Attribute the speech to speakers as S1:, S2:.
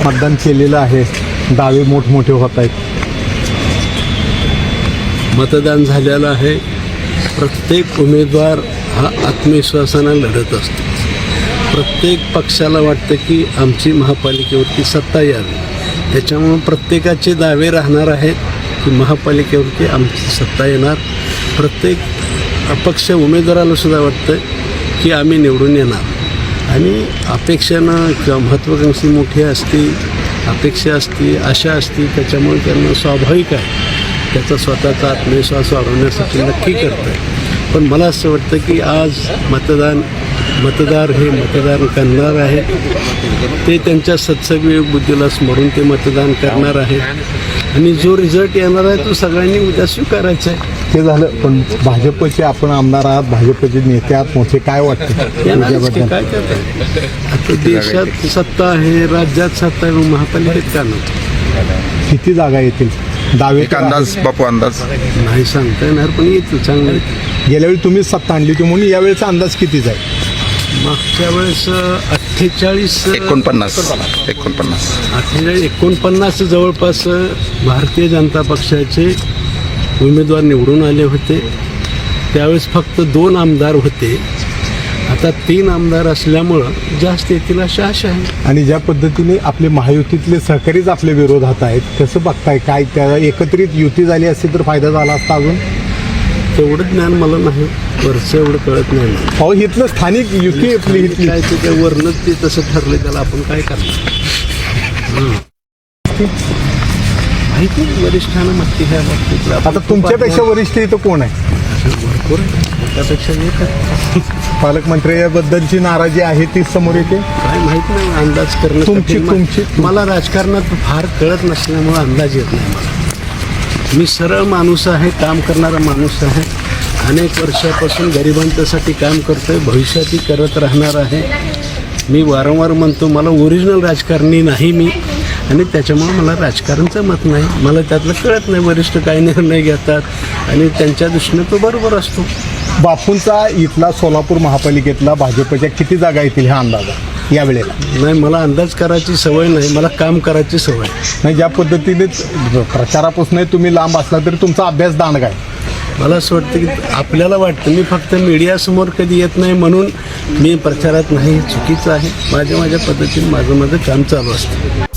S1: मतदान केलेलं आहे, दावे मोठमोठे होत आहेत.
S2: मतदान झालेलं आहे. प्रत्येक उमेदवार हा आत्मविश्वासानं लढत असतो. प्रत्येक पक्षाला वाटतं की आमची महापालिकेवरती सत्ता यावी. त्याच्यामुळं प्रत्येकाचे दावे राहणार आहेत की महापालिकेवरती आमची सत्ता येणार. प्रत्येक अपक्ष उमेदवाराला सुद्धा वाटतं की आम्ही निवडून येणार. आणि अपेक्षानं किंवा महत्त्वाकांक्षी मोठी असती, अपेक्षा असती, आशा असती, त्याच्यामुळे त्यांना स्वाभाविक आहे त्याचा स्वतःचा आत्मविश्वास वाढवण्यासाठी नक्की करतं. पण मला असं वाटतं की आज मतदार हे मतदान करणार आहेत. ते त्यांच्या सत्सविवेक बुद्धीला स्मरून ते मतदान करणार आहेत. आणि जो रिझल्ट येणार आहे तो सगळ्यांनी उद्या स्वीकारायचा आहे.
S1: ते झालं, पण भाजपचे आपण आमदार आहात, भाजपचे नेते आहात मोठे, काय वाटतं
S2: याच्याबद्दल? काय करताय? आता देशात सत्ता आहे, राज्यात सत्ता आहे, महापालिकेत का नाही?
S1: किती जागा येतील? दावे
S3: एक अंदाज बापू, अंदाज
S2: नाही सांगता येणार, पण येतं चांगलं.
S1: गेल्या वेळी तुम्ही सत्ता आणली होती म्हणून यावेळेचा अंदाज कितीच आहे?
S2: मागच्या वेळेस 49 जवळपास भारतीय जनता पक्षाचे उमेदवार निवडून आले होते. त्यावेळेस फक्त 2 आमदार होते. आता 3 आमदार असल्यामुळं जास्त येतील अशी आशा आहे.
S1: आणि ज्या पद्धतीने आपले महायुतीतले सहकारीच आपल्या विरोधात आहेत, कसं बघताय? काय त्या एकत्रित युती झाली असती तर फायदा झाला असता? अजून
S2: तेवढं ज्ञान मला नाही, वरचं एवढं कळत नाही मला.
S1: अहो, इथलं स्थानिक युती आपली इथली
S2: काय ते त्या वरनंच ते तसं ठरलं, त्याला आपण काय करणार? माहिती नाही, वरिष्ठांना माहिती ह्या बाबतीत.
S1: आता तुमच्यापेक्षा वरिष्ठ इथं कोण आहे?
S2: भरपूर आहे, त्यापेक्षा एक आहे.
S1: पालकमंत्र्याबद्दलची नाराजी आहे ती समोर येते.
S2: काय माहीत नाही, अंदाज करणं
S1: तुमची-
S2: कठीण. मला राजकारणात फार कळत नसल्यामुळं अंदाज येत नाही मला. मी सरळ माणूस आहे, काम करणारा माणूस आहे. अनेक वर्षापासून गरिबांच्यासाठी काम करतोय, भविष्यातही करत राहणार आहे. मी वारंवार म्हणतो मला ओरिजिनल राजकारणी नाही मी, आणि त्याच्यामुळं मला राजकारणचं मत नाही. मला त्यातलं कळत नाही वरिष्ठ काय निर्णय घेतात, आणि त्यांच्या दृष्टीने तो बरोबर असतो.
S1: बापूंचा इथला सोलापूर महापालिकेतला भाजपच्या किती जागा येतील हा अंदाज आहे यावेळेला?
S2: नाही, मला अंदाज करायची सवय नाही, मला काम करायची सवय.
S1: नाही, ज्या पद्धतीने प्रचारापासून तुम्ही लांब असला तरी तुमचा अभ्यास दांडगा आहे.
S2: मला असं वाटतं की आपल्याला वाटतं मी फक्त मीडियासमोर कधी येत नाही म्हणून मी प्रचारात नाही, चुकीचं आहे. माझ्या पद्धतीने माझं काम चालू असतं.